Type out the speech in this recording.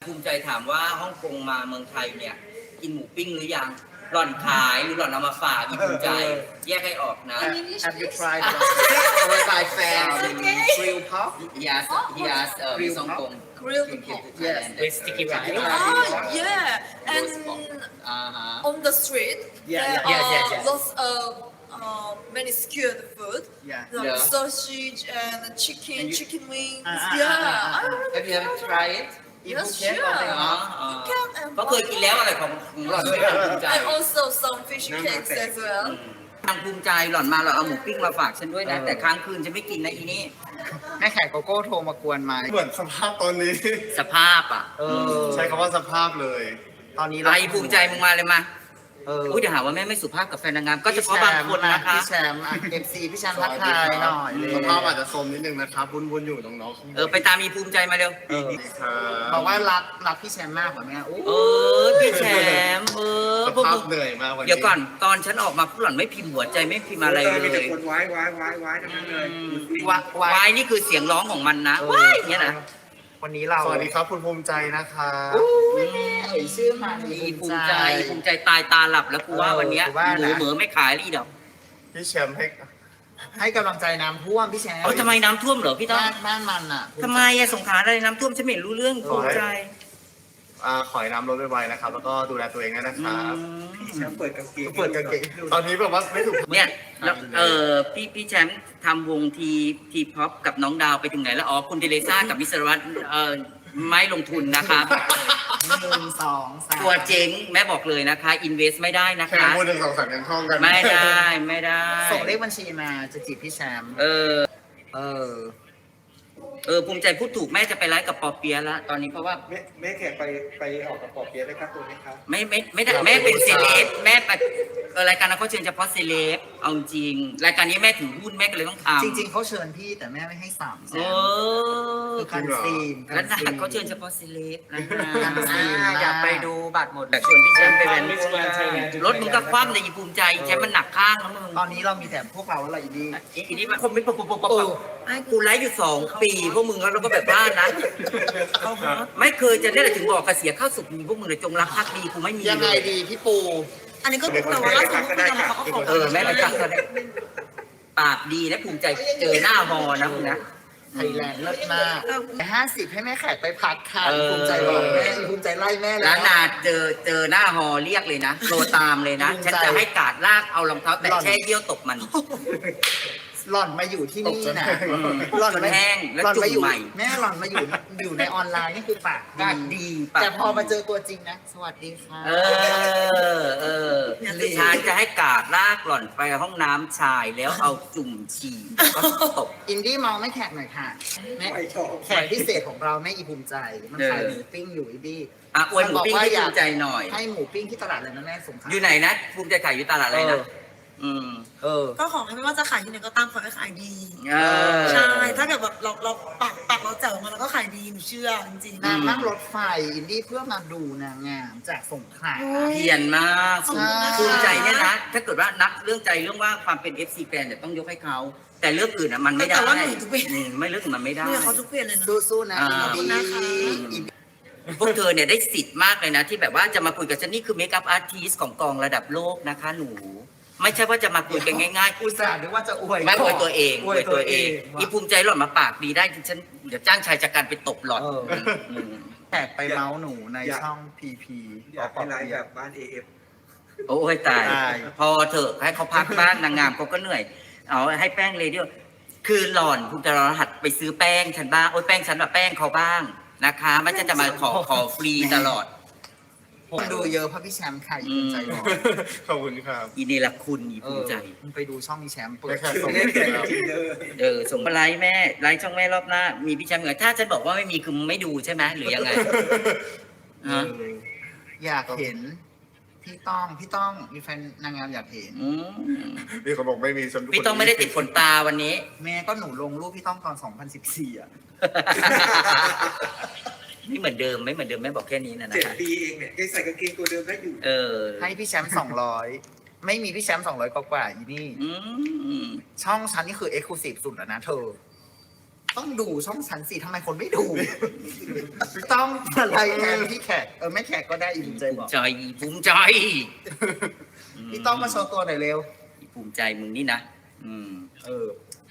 ภูมิใจถามว่าฮ่องกงมาเมืองไทยเนี่ยกินหมูปิ้งหรือยังหล่อนขายหรือหล่อนเอามาฝากอีภูมิใจแยกให้ออกนะ Have you tried our Thai fan grill pork? He asked Miss Hong Kong Grilled came to pork. Thailand. With sticky rice. Oh yeah, and on the street there are lots of many skewed food, Yeah. like Yeah. sausage and chicken, And you- chicken wings. Ah, Yeah. ah, ah, ah. Have you ever tried it? Yes, Phuket sure. or Bangkok? Phuket and ก็เคยกินแล้วอะไรของหล่อนไม่ภูมิใจ and also some fish cakes as well. ทางภูมิใจหล่อนมาหล่อนเอาหมูปิ้งมาฝากฉันด้วยนะ แต่ค้างคืนฉันไม่กินนะอีนี่แม่แขกโกโก้โทรมากวนไหมเหมือนสภาพตอนนี้สภาพอ่ะใช้คำว่าสภาพเลยตอนนี้ไรภูมิใจมึงมาเลยมาอุ้ยเดี๋ยวหาว่าแม่ไม่สุภาพกับแฟนนางงามก็เฉพาะบางคนนะคะพี่แชมป์FC พี่แชมป์ทักทายหน่อยเลยสภาพอาจจะโทรมนิดนึงนะครับวุ่นๆอยู่น้องๆไปตามมีภูมิใจมาเร็วบอกว่ารักพี่แชมป์มากกว่าแม่โอ้พี่แชมป์สพวกภามึพงเหนื่อยมากวันนี้เดี๋ยวก่อนตอนฉันออกมาผู้หล่อนไม่พิมพ์หัวใจไม่พิมพ์อะไรเลมีแต่ยคนไว้ทั้งนั้นเลยวายนี่คือเสียงร้องของมันนะว้ายอย่างเงี้ยนะวันนี้เราสวัสดีครับคุณภูมิใจนะคะเอ่ยชื่อมามีภูมิใจตายตาหลับแล้วกูว่าวันเนี้ยหมูเหมือไม่ขายรีดอกพี่แชมป์ให้ให้กำลังใจน้ำท่วมพี่แชมป์ทำไมน้ำท่วมเหรอพี่ต้อบ้านมันอ่ะทำไมสงขลาอะไรน้ำท่วมฉันไม่เห็นรู้เรื่องภูมิใจขอให้น้ำลดไวๆนะครับ แล้วก็ดูแลตัวเองด้วยนะครับแชมป์เปิดกางเกงเปิดกางเกงตอนนี้แบบว่าไม่ถูกเนี่ยแล้วพี่แชมป์ทำวงทีพ็อปกับน้องดาวไปถึงไหนแล้วอ๋อคุณเทเลซ่ากับมิสรวัตรไม่ลงทุนนะครับ 1 2 3 ตัวเจ๊งแม่บอกเลยนะคะอินเวสไม่ได้นะแค่คะพูดหนึ่งสองสามยังท่องกันไม่ได้ส่งเลขบัญชีมาจะจีบพี่แชมป์เออ ภูมิใจพูดถูกแม่จะไปไลฟ์กับปอเปียะแล้วตอนนี้เพราะว่าแม่แขกไปออกกับปอเปี๊ยะได้ครับตัวนี้ครับไม่ได้แม่เป็นเซเลบแม่ไปรายการนั้นเขาเชิญเฉพาะเซเลบเอาจริงรายการนี้แม่ถือหุ้นแม่ก็เลยต้องทำจริงๆเขาเชิญพี่แต่แม่ไม่ให้สามแชเอมป์อคือการซีนแล้วนะเขาเชิญเฉพาะเซเลบนะอยากไปดูบัตรหมดแต่ชวนพี่แชมป์ไปแว้นรถมึงก็คว่ำในภูมิใจแชมป์มันหนักข้างแล้วมึงตอนนี้เรามีแต่พวกเราแล้วอะไรอีดีอีนี่มันคอมเมนต์ปุ๊บไอ้กูไลฟ์อยู่2 ปีพวกมึงแล้วเราก็แบบบ้านนะไม่เคยจะได้ถึงบอกกระเสียข้าวสุกมีพวกมึงเลยจงรักภักดีกูไม่มียังไงดีพี่ปูอันนี้ก็แต่ว่าล่าสุดคุยกันเขาก็ขอแม่ไปทักเขาได้ปากดีนะภูมิใจเจอหน้าฮอนะมึงนะไทยแลนด์เลิศมาก50ให้แม่แขกไปพักค่ะภูมิใจบอกแม่ภูมิใจไล่แม่แล้ร้าวน นาเจอหน้าฮอเรียกเลยนะโทรตามเลยนะ ฉันจะให้กาดลากเอารองเท้าแต่แช่เยี่ยวตบมันหล่อนมาอยู่ที่นี่นะหล่อนแห้งแล้วจุ่มใหม่แม่หล่อนมาอยู่ในออนไลน์นี่คือปากปากดีปากดีแต่พอมาเจอตัวจริงนะ สวัสดีค่ะฉันจะให้กาดลากหล่อนไปห้องน้ำชายแล้วเอาจุ่มฉี่ก็ตบอินดี้มองไม่แขกหน่อยค่ะแม่ไม่ชอบแขกพิเศษของเราแม่อีภูมิใจ มันขายหมูปิ้งอยู่อินดี้อวยหมูปิ้งให้ภูมิใจหน่อยให้หมูปิ้งที่ตลาดเลยนะแม่สงขลาอยู่ไหนนะภูมิใจขายอยู่ตลาดอะไรนะก็ขอให้ไม่ว่าจะขายที่ไหนก็ตามขอให้ขายดีเออใช่ ถ้าเกิดแบบเราปักเราแจ๋วมาแล้วก็ขายดีหนูเชื่อจริงๆนางนั่งรถไฟอินดี้เพื่อมาดูนางงามจากสงขลาเพียนมากขอบคุณนะคะภูมิใจเนี่ยนะ ถ้าเกิดว่านับเรื่องใจเรื่องว่าความเป็น FC แฟนเนี่ยต้องยกให้เขา แต่เรื่องอื่นอ่ะมันไม่ได้แต่ว่าหนูทุกเวทไม่เรื่องอื่นมันไม่ได้เนี่ยเขาทุกเปลี่ยนเลยนะสู้ๆนะอินขอบคุดี้ณนะคะพวกเธอเนี่ยได้สิทธิ์มากเลยนะ ที่แบบว่าจะมาคุยกับฉันนี่คือเมคอัพอาร์ติสของกองระดับโลกนะคะหนู ไม่ใช่ว่าจะมาคุยกันง่ายๆอุตส่าห์นึกว่าจะอวยไม่อวยตัวเองอวยตัวเองอีภูมิใจหล่อนมาปากดีได้ฉันเดี๋ยวจ้างชายจัดการไปตบหล่อนมแขกไปเมาส์หนูในช่องพีพีอยากให้ไลฟ์แบบบ้านเอฟโอ้ยตาย พอเถอะให้เขาพักบ้างนางงามเขาก็เหนื่อย เอาให้แป้งเลยเดียวคือหล่อนภูมิใจหล่อนหัดไปซื้อแป้งฉันบ้างโอ้ยแป้งฉันแบบแป้งเขาบ้างนะคะไม่ใช่จะมาขอฟรีตลอดคนดูเยอะเพราะพี่แชมป์ค่ะอีภูมิใจบอกขอบคุณครับอีเนรคุณอีภูมิใจมึงไปดูช่องมีแชมป์เปิแม่ดแขกส่งเล่นเสร็เก่จงแล้วจริงเลยส่งมาไลฟ์แม่ไลฟ์ช่องแม่รอบหน้า มีพี่แชมป์เหมือนถ้าฉันบอกว่าไม่มีคือมึงไม่ดูใช่ไหมหรือยังไงฮะอยากเห็น พี่ต้องมีแฟนนางงามอยากเห็นอืมมีคนบอกไม่มีฉันพี่ต้องไม่ได้ติดขนตาวันนี้แม่ก็หนูลงรูปพี่ต้องตอน 2014 อ่ะไม่เหมือนเดิมไม่เหมือนเดิมแม่บอกแค่นี้นะนะ 7 คะปีเองเนี่ยยังใส่กางเกงตัวเดิมได้อยู่ให้พี่แชมป์200 ไม่มีพี่แชมป์200กว่าอีนี่อืมช่องฉันนี่คือเอ็กซ์คลูซีฟสุดแล้วนะเธอต้องดูช่องฉันสิทำไมคนไม่ดู ต้องอะไรแทนพี่แขกไม่แขกก็ได้อีภูมิใจบอกใจภูมิใจพี่ต้องมาโชว์ตัวหน่อยเร็วภูมิใจมึงนี่นะเออ